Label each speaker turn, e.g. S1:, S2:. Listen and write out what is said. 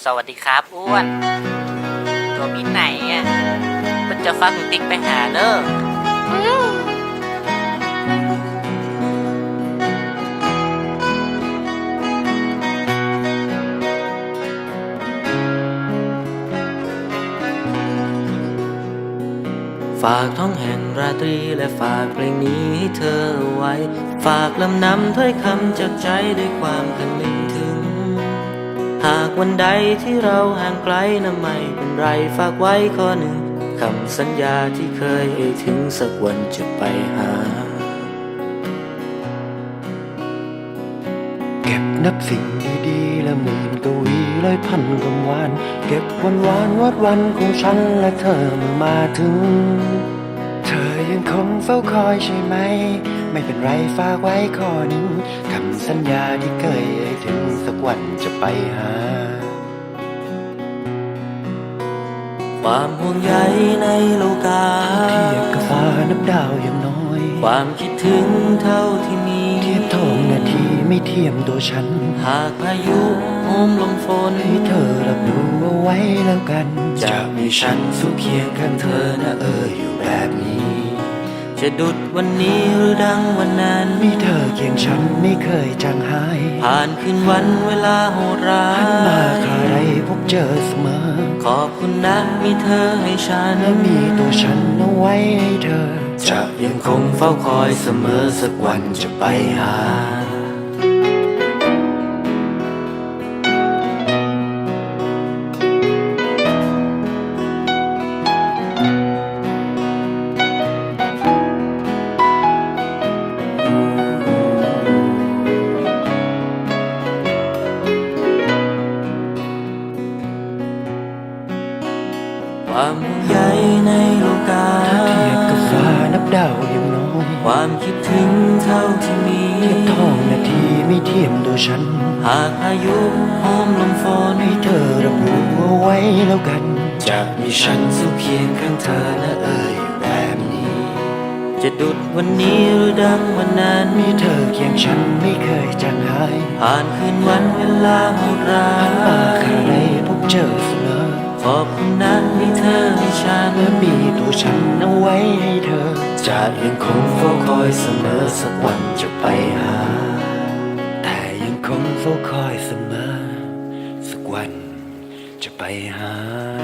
S1: สวัสดีครับอ้วนตัวมีไหนอ่ะมันจะฟักติ๊กไปหาเด้อฝากท้องแห่งราตรีและฝากเพลงนี้ให้เธอไว้ฝากลำนำถ้อยคำจากใจด้วยความคำนึงถึงหากวันใดที่เราห่างไกลนะไม่เป็นไรฝากไว้ข้อหนึ่งคำสัญญาที่เคยเอ่ยถึงสักวันจะไปหา
S2: เก็บนับสิ่งดีๆและหมื่นกวีร้อยพันคำหวานเก็บวันวานวัดวันของฉันและเธอเมื่อมาถึงเธอยังคงเฝ้าคอยใช่ไหมไม่เป็นไรฝากไว้ข้อหนึ่งคำสัญญาที่เคยเอ่ยถึงสักวันจะไปหา
S1: ความห่วงใยในโลกา
S2: เทียบกับฟ้านับดาวอย่างน้อย
S1: ความคิดถึงเท่าที่มี
S2: เทียบทองนาทีไม่เทียมตัวฉัน
S1: หากพายุโหมลมฝน
S2: ให้เธอรับรู้เอาไว้แล้วกัน
S1: จะมีฉันสู้เคียงข้างเธอนะอยู่แบบนี้จะดุดวันนี้หรือดังวันนั้น
S2: มีเธอเคียงฉันไม่เคยจางหาย
S1: ผ่านคืนวันเวลาโหดร้าย
S2: หันมาคราใดพบเจอเสมอ
S1: ขอบคุณนะมีเธอให้ฉัน
S2: และมีตัวฉันเอาไว้ให้เธอ
S1: จะยังคงเฝ้าคอยเสมอสักวันจะไปหาความห่วงใยในโลกา
S2: เทียบกับฟ้านับดาวอย่างน้อย
S1: ความคิดถึงเท่าที่มี
S2: เทียบทองนาทีไม่เทียมตัวฉัน
S1: หากพายุโหมลมฝน
S2: ให้เธอรับรู้เอาไว้แล้วกัน
S1: จะมีฉันสู้เคียงข้างเธอนะอยู่แบบนี้จะดุดวันนี้หรือดังวันนั้น
S2: มีเธอเคียงฉันไม่เคยจางหาย
S1: ผ่านคืนวันเวลาโหดร้าย
S2: หันมาคราใดพบเจอเสมอ
S1: ขอบคุณนะมีเธอให้ฉัน
S2: และมีตัวฉันเอาไว้ให้เธอ
S1: จะยังคงเฝ้าคอยเสมอสักวันจะไปหา
S2: แต่ยังคงเฝ้าคอยเสมอสักวันจะไปหา